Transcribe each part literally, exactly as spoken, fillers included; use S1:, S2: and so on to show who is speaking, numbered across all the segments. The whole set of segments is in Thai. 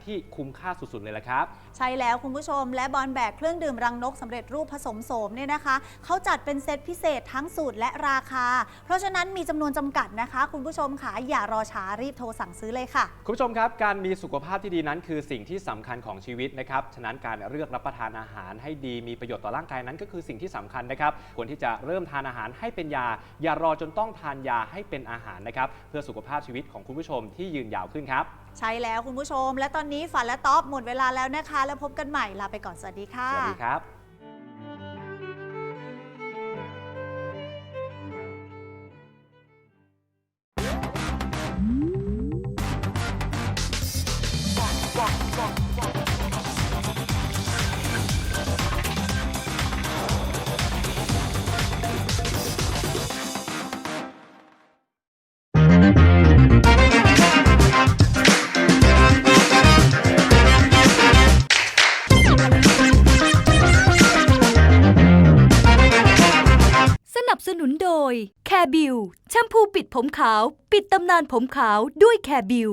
S1: ที่คุ้มค่าสุดๆเลยละครับ
S2: ใช่แล้วคุณผู้ชมและบอลแบกเครื่องดื่มรังนกสำเร็จรูปผสมโสมเนี่ยนะคะเขาจัดเป็นเซตพิเศษทั้งสูตรและราคาเพราะฉะนั้นมีจำนวนจำกัดนะคะคุณผู้ชมค่ะอย่ารอช้ารีบโทรสั่งซื้อเลยค่ะ
S1: คุณผู้ชมครับการมีสุขภาพที่ดีนั้นคือสิ่งที่สำคัญของชีวิตนะครับฉะนั้นการเลือกรับประทานอาหารให้ดีมีประโยชน์ต่อร่างกายนั้นก็คือสิ่งที่สำคัญนะครับควรที่จะเริ่มทานอาหารให้เป็นยาอย่ารอจนต้องทานยาให้เป็นอาหารนะครับเพื่อสุขภาพชีวิตของคุณผู้ชมที่ยืนยาวขึ้นครับ
S2: ใช่แล้วคุณผู้ชมและตอนนี้ฝันและต๊อบหมดเวลาแล้วนะคะแล้วพบกันใหม่ลาไปก่อนสวัสดีค่ะ
S1: สวัสดีครับ
S3: สนับสนุนโดยแคร์บิวแชมพูปิดผมขาวปิดตำนานผมขาวด้วยแคร์บิว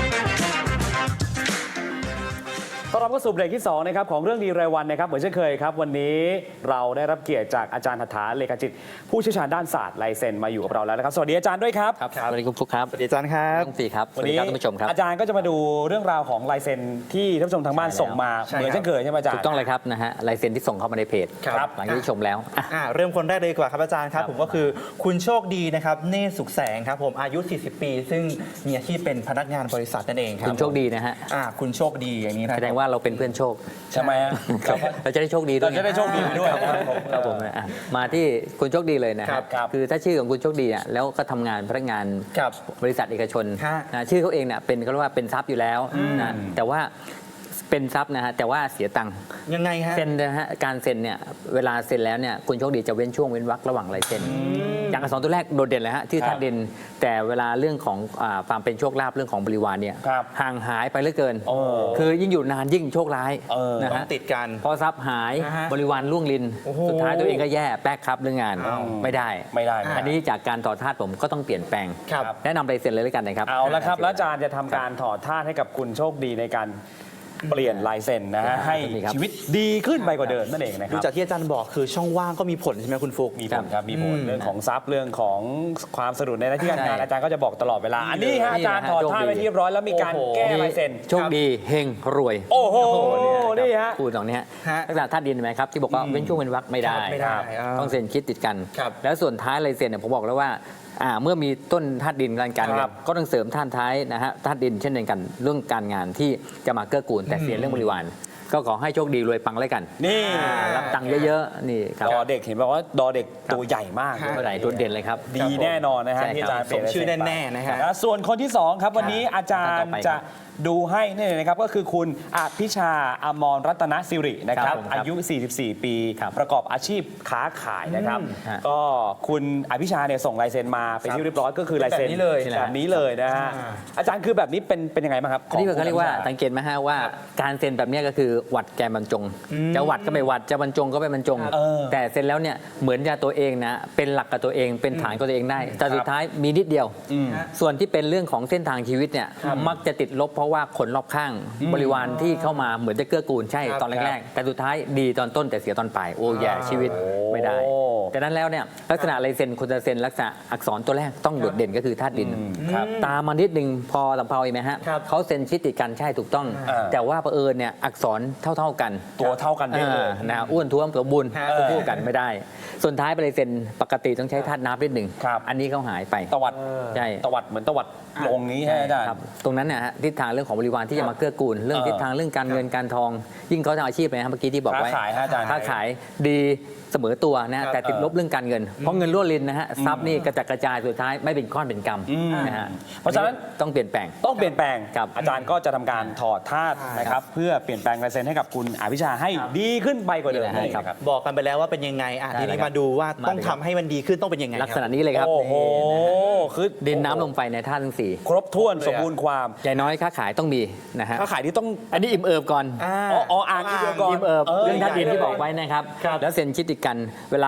S4: ต้อนรับเข้าสู่เบรกที่สองนะครับของเรื่องดีรายวันนะครับเหมือนเช่นเคยครับวันนี้เราได้รับเกียรติจากอาจารย์หัตถาเลขาจิตผู้เชี่ยวชาญด้านศาสตร์ลายเซ็นมาอยู่กับเราแล้วนะครับสวัสดีอาจารย์ด้วยครับ
S5: ครับสวัสดีคุณฟุกครับ
S4: สวัสดีอาจารย์ครับ
S5: ทั้งสี่ครับ
S4: วันนี้ท่านผู้ชมครับอาจารย์ก็จะมาดูเรื่องราวของลายเซ็นที่ท่านผู้ชมทางบ้านส่งมาเหมือนเช่นเคยใช่ไหมอาจารย์
S5: ถูกต้องเลยครับนะฮะลายเซ็นที่ส่งเข้ามาในเพจ
S4: ครับ
S5: หลังจากที่ชมแล้ว
S6: เริ่มคนแรกเลยดีกว่าครับอาจารย์ครับผมก็คือคุณโชคดีนะครับเนตรสุขแสงครับผมอายุสี่สิบปีซึ่งมีอาชีพเป็นพนักงานบริษัทนั่นเองครับ
S5: คุณโชคดีนะฮะ
S6: คุณโชคดีอย่างนี้นะ
S5: แสดงว่าเราเป็นเพื่อนโชค
S4: ใช่ไหม
S5: เราจะได้โชคดีด้วย
S4: เราจะได้โชคดีด้วย
S5: ครับผมมาที่คุณโชคดีเลยนะครับคือถ้าชื่อของคุณโชคดีเนี่ยแล้วก็ทำงานพนักงานบริษัทเอกชนนะชื่อเขาเองเนี่ยเป็นเขาเรียกว่าเป็นทรัพย์อยู่แล้วนะแต่ว่าเป็นทรัพย์นะฮะแต่ว่าเสียตังค์
S6: ยังไงฮะ
S5: เซ็นนะฮะการเซ็นเนี่ยเวลาเซ็นแล้วเนี่ยคุณโชคดีจะเว้นช่วงเว้นวรรคระหว่างลายเซ็นอย่างอักษรตัวแรกโดดเด่นเลยฮะที่ธาตุดินแต่เวลาเรื่องของความเป็นโชคลาภเรื่องของบริวารเนี่ยห่างหายไปเหลือเกินคือยิ่งอยู่นานยิ่งโชคร้าย
S6: นะฮะติดกัน
S5: พอทรัพย์หายบริวารล่วงลินสุดท้ายตัวเองก็แย่แป๊กครับเรื่องงานไม่ได้
S4: ไม่ได้
S5: อันนี้จากการถอดธาตุผมก็ต้องเปลี่ยนแปลงแนะนำลายเซ็นเลยแล้วกันนะครับ
S4: เอาละครับแล้วอาจารย์จะทำการถอดธาตุให้กับคุณโชคดีในการเปลี่ยนลายเซ็นนะฮะให้ชีวิตดีขึ้นไปกว่าเดิมนั่นเองนะครับ
S6: ดูจากที่อาจารย์บอกคือช่องว่างก็มีผลใช่ไหมคุณฟุก
S4: มีผลครับมีผลเรื่องของทรัพย์เรื่องของความสะดุดในหน้าที่การงานอาจารย์ก็จะบอกตลอดเวลาอันนี้ฮะอาจารย์ถอดธาตุไปเรียบร้อยแล้วมีการแก้ลายเซ็น
S5: โชคดีเฮงรวย
S4: โอ้โหนี่ฮะ
S5: พูดตรงนี้ฮะลักษณะธาตุดินไหมครับที่บอกว่าเว้นช่วงเว้นวรรคไม่ได้ต้องเซ็นคิดติดกันแล้วส่วนท้ายลายเซ็นเนี่ยผมบอกแล้วว่าเมื่อมีต้นธาตุดินการการก็ต้องเสริมธาตุท้ายนะฮะธาตุดินเช่นเดียวกันเรื่องการงานที่จะมาเกื้อกูลแต่เสียเรื่องบริวารก็ขอให้โชคดีรวยปังเลยกัน
S4: นี่
S5: รับตังค์เยอะๆนี่ครับ
S4: ดอเด็กเห็นบอกว่าดอเด็กตัวใหญ่มาก
S5: ตัวใหญ่ตัวเด่นเลยครับ
S4: ดีแน่นอนนะฮะที่อาจารย์เปลี่ยน
S6: ชื่อแน่ๆนะฮะ
S4: ส่วนคนที่สองครับวันนี้อาจารย์จะดูให้นี่นะครับก็คือคุณอภิชาอมรรัตนสิรินะครับอายุสี่สิบสี่ปีประกอบอาชีพค้าขายนะครับก็คุณอภิชาเนี่ยส่งลายเซ็นมาเป็นที่เรียบร้อยก็คือลายเซ็นแบบนี้เลยนะฮะอาจารย์คือแบบนี้เป็นเป็นยังไงบ้างครับ
S5: อันนี้เขาเรียกว่าสังเกตไหมฮะว่าการเซ็นแบบนี้ก็คือวัดแกนบรรจงจะวัดก็ไม่วัดจะบรรจงก็ไม่บรรจงแต่เซ็นแล้วเนี่ยเหมือนจะตัวเองนะเป็นหลักกับตัวเองเป็นฐานกับตัวเองได้แต่สุดท้ายมีนิดเดียวส่วนที่เป็นเรื่องของเส้นทางชีวิตเนี่ยมักจะติดลบเพราะว่าคนรอบข้างบริวารที่เข้ามาเหมือนจะเกื้อกูลใช่ตอนแรกๆแต่สุดท้ายดีตอนต้นแต่เสียตอนปลายโอ้แย่ชีวิตไม่ได้แต่นั้นแล้วเนี่ยลักษณะลายเซ็นคนจะเซ็นลักษณะอักษรตัวแรกต้องโดดเด่นก็คือธาตุดินตามมานิดนึงพอลำเพาอีกไหมฮะเขาเซ็นชิดติดกันใช่ถูกต้องแต่ว่าเผอิญเนี่ยอักษรเท่าๆกัน
S4: ตัวเท่ากันได้เลย
S5: นะอ้วนท้วมสมบูรณ์คู่กันไม่ได้ส่วนท้ายไปลายเซ็นปกติต้องใช้ธาตุน้ำนิดหนึ่งอันนี้เขาหายไป
S4: ตวัด
S5: ใช่
S4: ตวัดเหมือนตวัดลงนี้ใช่ไหมอาจารย์
S5: ตรงนั้นเนี่ยทิศทางเรื่องของบริวารที่จะมาเกื้อกูลเรื่องทิศทางเรื่องการเงินการทองยิ่งเขาทำอาชีพเลยนะเมื่อกี้ที่บอกไว้
S4: ค้าขายอาจารย์
S5: ค้าขายดีเสมอตัวนะแต่ติดลบเรื่องการเงินเพราะเงินรั่วรินนะฮะทรัพย์นี่กระจัดกระจายสุดท้ายไม่เป็นก้อนเป็นกำนะฮะ
S4: เพราะฉะนั้น
S5: ต้องเปลี่ยนแปลง
S4: ต้องเปลี่ยนแปลงอาจารย์ก็จะทำการถอดธาตุนะครับเพื่อเปลี่ยนแปลงลายเซ็นให้กับคุณอภิชาให้ดีขึ้นไปกว่าเดิม
S6: ครับบอกกันไปแล้วว่าเป็นยังไงทีนี้มาดูว่าต้องทำให้มันดีขึ้นต้องเป็นยังไง
S5: ลักษณะนี้เลยครับ
S4: โอ้โห
S5: คือดินน้ำลมไฟในธาตุทั้งสี่
S4: ครบถ้วนสมบูรณ์ความ
S5: ใหญ่น้อยค้าขายต้องมีนะฮะ
S4: ค้าขายที่ต้อง
S5: อันนี้อิ่มเอิบก่อน
S4: อ๋ออ่างอิ่มเอิบก่อน
S5: อิ่มเอิบเรื่องธาตุดินที่บอกไว้นะครับแล้วเซ็นชิดติดกันเวลาค้าขาย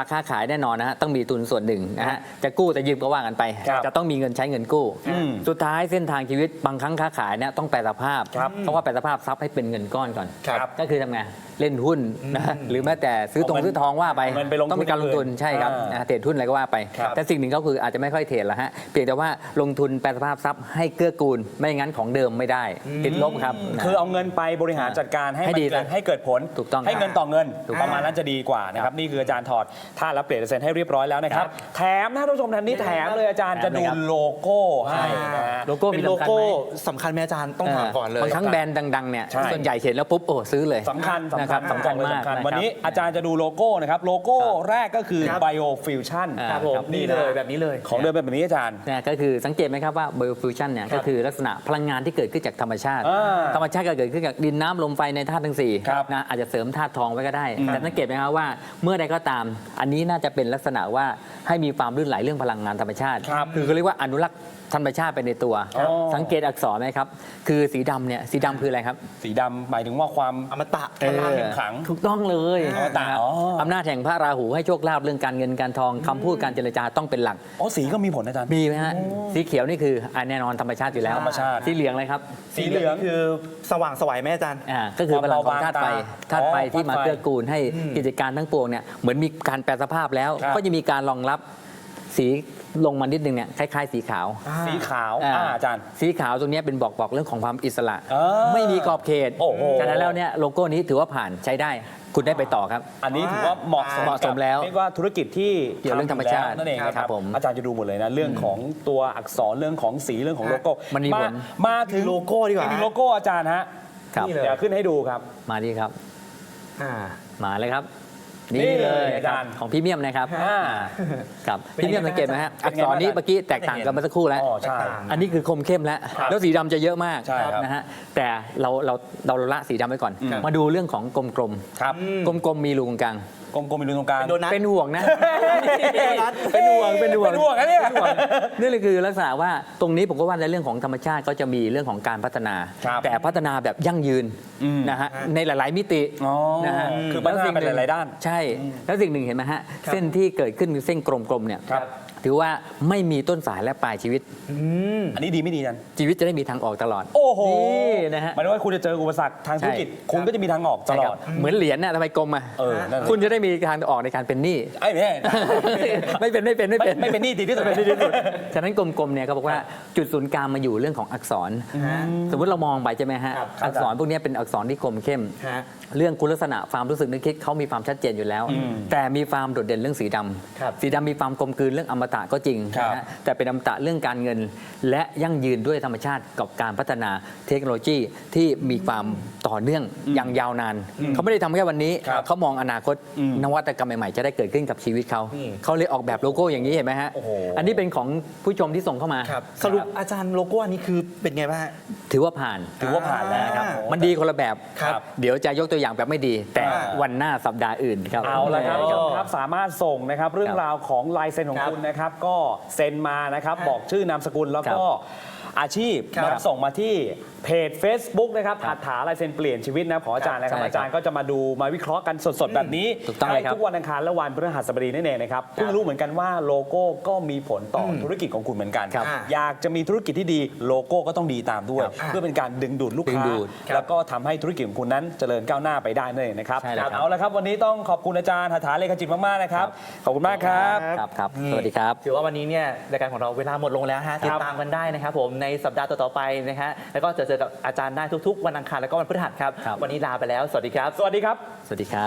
S5: แน่นอนนะฮะต้องมีทุนส่วนหนึ่งนะฮะจะกู้จะยืมก็ว่ากันไป
S4: ครับ
S5: จะต้องมีเงินใช้เงินกู้
S4: อืม
S5: สุดท้ายเส้นทางชีวิตบางครั้งค้าขายเนี่ยต้องแปลสภาพ
S4: ครับ
S5: เพราะว่าแปลสภาพทรัพย์ให้เป็นเงินก้อนก่อน
S4: ครับ
S5: ก็คือทำไงเล่นหุ้นนะหรือแม้แต่ซื้อตรง
S4: เอาเงิน
S5: ซื้อทองว่าไป
S4: เอาเงินไปลงทุน
S5: ต้องมีการลงทุน
S4: อื่น
S5: ใช่ครับ
S4: อ่า
S5: นะเทรดหุ้นอะไรก็ว่าไป
S4: ครับ
S5: แต่สิ่งหนึ่งก็คืออาจจะไม่ค่อยเทรดละฮะเพียงแต่ว่าลงทุนแปลสภาพทรัพย์ให้เกื้อกูลไม่งั้นของเดิมไม่ได้ติดลบครับนะ
S4: คือเอาเงินไปบริหารจัดการให้
S5: ให้
S4: มัน
S5: ดี
S4: เกิด
S5: นะ
S4: ให้เกิดผล
S5: ถูกต้อง
S4: ให้เงินต่อเงิน
S5: ถูกต้อง
S4: ประมาณนั้นจะดีกว่านะครับนี่คืออาจารย์ถอดท่าแล้วเปลี่ยนเซ็นให้เรียบร้อยแล้วนะครับแถมนะท่านผู้ชมท่านนี้แถมเลยอาจารย์จะดูโลโก้ให้นะฮะ
S5: โลโก้
S6: เป็
S5: มี
S6: นโล
S5: สำคัญ
S6: โก้
S5: ไหม
S6: สำคัญไหมอาจารย์ต้องถามก่อนเลย
S5: บางครั้งแบรนด์ดังๆเนี่ย
S4: ใช่
S5: ส่วนใหญ่เห็นแล้วปุ๊บโอ้ซื้อเลย
S4: สำคัญสำ
S5: นะค
S4: คั
S5: รั
S4: ญ
S5: บสำคัญมาก
S4: สำคัญ
S5: นะครับ
S4: วันนี้อาจารย์จะดูโลโก้นะครับโลโก้
S5: ครับ
S4: แรกก็คือ
S6: ครับ
S4: Biofusion
S5: อ่า
S6: ครับผมนี่เลยแบบนี้เลย
S4: ของเดิมเป็นแบบนี้อาจารย์
S5: เนี่ยก็คือสังเกตไหมครับว่า biofusion เนี่ยก็คือลักษณะพลังงานที่เกิดขึ้นจากธรรมชาติ
S4: อ่า
S5: ธรรมชาติก็เกิดขึ้นจากดินน้ำลมไฟในธาตุทั้งสี่
S4: ครับ
S5: นะอาจจะเสริมธาตุทองไว้ก็ได้ แต่สังเกตไหมครับว่าเมื่อใดก็ตาม อันนี้น่าจะเป็นลักษณะว่าให้มีความลื่นไหลเรื่องพลังงานธรรมชาติ
S4: ครับ
S5: คือเขาเรียกว่าอนุรักษ์ธรรมชาติไปในตัว
S4: อ๋อ
S5: สังเกตอักษรไหมครับคือสีดำเนี่ยสีดำคืออะไรครับ
S4: สีดำหมายถึงว่าความ
S6: อมตะ
S4: พลังแห่งขลัง
S5: ถูกต้องเลย
S4: อมตะ
S5: นะครับ
S4: อ๋อ
S5: อำนาจแห่งพระราหูให้โชคลาภเรื่องการเงินการทองคำพูดการเจรจาต้องเป็นหลัก
S4: อ๋อสีก็มีผลอาจารย์
S5: มีไหมฮะสีเขียวนี่คืออ่ะแน่นอนธรรมชาติอยู่แล้ว
S4: ธรรมชาติ
S5: สีเหลืองเลยครับ
S6: สีเหลืองคือสว่างไสวัยไหมอาจารย์
S5: อ่าก็คือพลังของธาตุไฟ
S4: ความเบาบางตา
S5: ธาตุไฟ
S4: อ๋อ
S5: ที่มา
S4: ธาตุไฟ
S5: เกื้อกูลให้กิจการทั้งปวงเนี่ยเหมือนมีการแปลสภาพแล้ว
S4: ครับ
S5: ก็จะมีการรองรับสีลงมานิดนึงเนี่ยคล้ายๆ สีขาว
S4: สีขาว
S5: อ่า
S4: อ่าอาจารย์
S5: สีขาวตรงเนี้ยเป็นบอกบอกเรื่องของความอิสระ
S4: อ่า
S5: ไม่มีกรอบเขต
S4: โอ้โห
S5: ฉะนั้นแล้วเนี่ยโลโก้นี้ถือว่าผ่านใช้ได้ คุณได้ไปต่อครับ
S4: อันนี้ถือว่าเหมาะสม
S5: เหมาะสมแล้ว
S4: เรียกว่าธุรกิจที่
S5: เกี่ยวเรื่องธรรมชาติ
S4: ทำอยู่แล้วนั่นเองนะค
S5: ครั
S4: รับบ
S5: ผม
S4: อาจารย์จะดูหมดเลยนะเรื่องของตัวอักษรเรื่องของสีเรื่องของโลโก้
S5: มันมีผล
S4: มาถึง
S6: โลโก้ดีกว่า
S4: อีโลโก้อาจารย์ฮะ
S5: ครับ
S4: นี่เลยเดี๋ยวขึ้นให้ดูครับ
S5: มาดีครับ
S6: อ่า
S5: มาเลยครับ
S4: นี่
S5: นี่เลย
S4: อาจารย์
S5: ครับของพรีเมียมนะครับ
S4: อ่า
S5: ครับ
S6: เป็น
S5: พรี
S6: ยังไง
S5: เมียมสังเกตไหมฮะ
S4: เป็
S5: อั
S4: น
S5: ก
S4: ไง
S5: ษ
S4: บ้าง
S5: รนี้เมื่อกี้แตกต่างกันเมื่อสักครู่แล้ว
S4: อ๋อใช่
S5: อันนี้คือคมเข้มแล้ว
S4: ครับ
S5: แล้วสีดำจะเยอะมาก
S4: ใช่ครับ
S5: นะฮะแต่เราเราเราละสีดำไว้ก่อน
S4: ครับ
S5: มาดูเรื่องของกลม
S4: ครับ
S5: ๆกลมๆมีรูตรงกลาง
S4: กลมๆมีรูตรงกลาง
S6: เป็นโดนัท
S5: เป็นห่วงนะ
S6: นัท
S5: เป็นห่วงเป็นห่วง
S4: เป็นห่วงนะเนี่ย
S5: ป็ห่วงนี่เลยคือลักษณะว่าตรงนี้ผมก็ว่าในเรื่องของธรรมชาติก็จะมีเรื่องของการพัฒนา
S4: ครับ
S5: แต่พัฒนาแบบยั่งยืน
S4: อืม
S5: นะฮะในหลาย ๆ มิติ
S4: อ๋อ
S5: นะฮะ
S4: คือพัฒนาไปหลายๆด้าน
S5: ใช่ แล้วสิ่งหนึ่งเห็นไหมฮะ เส้นที่เกิดขึ้นคือเส้นกลมๆเนี่ย
S4: ครับ
S5: ถือว่าไม่มีต้นสายและปลายชีวิต
S4: อันนี้ดีไม่ดีอาจารย์
S5: ชีวิตจะได้มีทางออกตลอด
S4: โอ้โห
S5: นี่นะฮะ
S4: หมายถึงว่าคุณจะเจออุปสรรคทางธุรกิจ
S5: ใช่
S4: คุณก็จะมีทางออกต
S5: ใช่
S4: ล
S5: ค
S4: อ
S5: รั
S4: ด
S5: บเหมือนเหรียญน่ะทำไมกลมอ่ะ
S4: เออนั่นน่ะ
S5: คุณจะได้มีทางออกในการเป็นหนี้
S4: ไอ้แม่
S5: ไม่เป็นไม่เป็นไม่เป็น
S4: ไม่เป็นหนี้ดีที่สุด
S5: ไม่เป็นหนี้ดีที่สุดฉะนั้นกลมๆเนี่ยเขาบอกว่าจุดศูนย์กลางมาอยู่เรื่องของอักษร สมมติเรามองไปใช่ไหมฮะ
S6: ครับ
S5: อักษรพวกเนี้ยเป็นอักษรที่คมเข้ม
S6: ฮะ
S5: เรื่องคุณลักษณะความรู้สึกนึกคิดเขามีความชัดเจนอยู่แล้ว แต่มีความโดดเด่นเรื่องสีด
S6: ครับ
S5: ำสีดำมีความกลมกลืนเรื่องอมตะก็จริง
S4: ครับ
S5: นะฮะแต่เป็นอมตะเรื่องการเงิน และยั่งยืนด้วยธรรมชาติกับการพัฒนาเทคโนโลยีที่มีความต่อเนื่องอย่างยาวนาน เขาไม่ได้ทำแค่วันนี้
S4: ครับ
S5: เขามองอนาคต
S4: อืม
S5: นวัตกรรมใหม่ๆจะได้เกิดขึ้นกับชีวิตเขา
S6: นี่
S5: เขาเลยออกแบบโลโก้อย่างนี้เห็นไหมฮะ
S4: โอ้โห
S5: อันนี้เป็นของผู้ชมที่ส่งเข้ามา
S6: ครับสรุปอาจารย์โลโก้อันนี้คือเป็นไงบ้างฮะ
S5: ถือว่าผ่าน
S4: ถือว่าผ่านแล้วครับ
S5: มันดีคนละแบบ
S6: ครับ
S5: เดี๋ยวจะยกตัวอย่างแบบไม่ดี แต่
S6: อ่า
S5: วันหน้าสัปดาห์อื่นครับ
S4: เอาละครับ
S6: โอ้
S4: ผู้ชมครับสามารถส่งนะครับเรื่องราวของลายเซ็นของ
S6: ครับ
S4: คุณนะครับ ก็เซ็นมานะครับ
S6: ครับ
S4: บอกชื่อนามสกุลแล้วก็อาชีพ
S6: ครับ
S4: นะครับส่งมาที่เพจ Facebook นะครับหัตถาลายเซ็นเปลี่ยนชีวิตนะของอาจารย์นะครับ
S5: ใช่ครับ
S4: อาจารย์ก็จะมาดูมาวิเคราะห์กันสดๆ แบบนี้
S5: ถูกต้องเลยครับ
S4: ทุกวันอังคารและวันพฤหัสบดีนั่นเองนะครับเพิ่งรู้เหมือนกันว่าโลโก้ก็มีผลต่ออธุรกิจของคุณเหมือนกัน
S5: ครับ
S4: อยากจะมีธุรกิจที่ดีโลโก้ก็ต้องดีตามด้วย
S5: ครับ
S4: เพื่อเป็นการดึงดูดลูก
S5: ดึง
S4: ค้า
S5: ดูด
S4: แล้วก็ทำให้ธุรกิจของคุณนั้นเจริญก้าวหน้าไปได้นั่นเองนะครับ
S5: ใช่แล้วครับ
S4: เอาละครับวันนี้ต้องขอบคุณอาจารย์หัตถาเลขาจิตมากๆนะครับขอบคุณมากครับ
S5: ครับครับ
S6: นี่
S5: สวัสดีครับ
S6: ถือว่าวันนี้เนี่ยรายการของเราเวลาหมดลงแล้วฮะติดตามกันได้นะครับผมในสัปดาห์ต่อๆไปนะฮะแล้วก็จะเจอกับอาจารย์ได้ทุกๆ วันอังคารแล้วก็วันพฤหัสครับ
S5: ครับ
S6: วันนี้ลาไปแล้ว สวัสดีครับ
S4: สวัสดีครับ
S5: สวัสดีครับ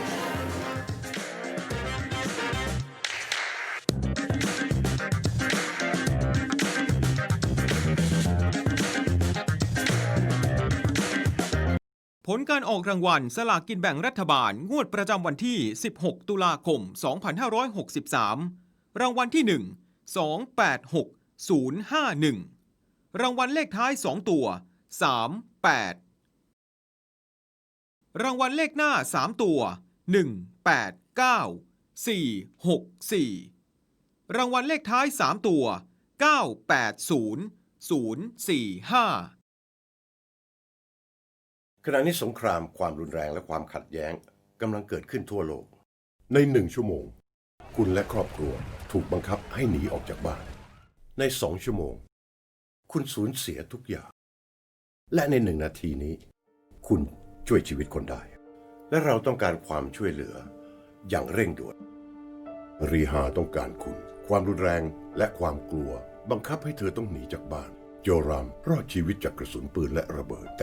S7: ผลการออกรางวัลสลากกินแบ่งรัฐบาลงวดประจำวันที่ สิบหก ตุลาคม สองพันห้าร้อยหกสิบสาม รางวัลที่ หนึ่ง สอง แปด หก ศูนย์ ห้า หนึ่ง รางวัลเลขท้าย สอง ตัว สาม แปด รางวัลเลขหน้า สาม ตัว หนึ่ง แปด เก้า สี่ หก สี่ รางวัลเลขท้าย สาม ตัว เก้า แปด ศูนย์ ศูนย์ สี่ ห้า
S8: ขณะนี้สงครามความรุนแรงและความขัดแย้งกำลังเกิดขึ้นทั่วโลก ในหนึ่งชั่วโมงคุณและครอบครัวถูกบังคับให้หนีออกจากบ้าน ในสองชั่วโมงคุณสูญเสียทุกอย่างและในหนึ่งนาทีนี้คุณช่วยชีวิตคนได้และเราต้องการความช่วยเหลืออย่างเร่งด่วนรีฮาต้องการคุณความรุนแรงและความกลัวบังคับให้เธอต้องหนีจากบ้านโยรามรอดชีวิตจากกระสุนปืนและระเบิด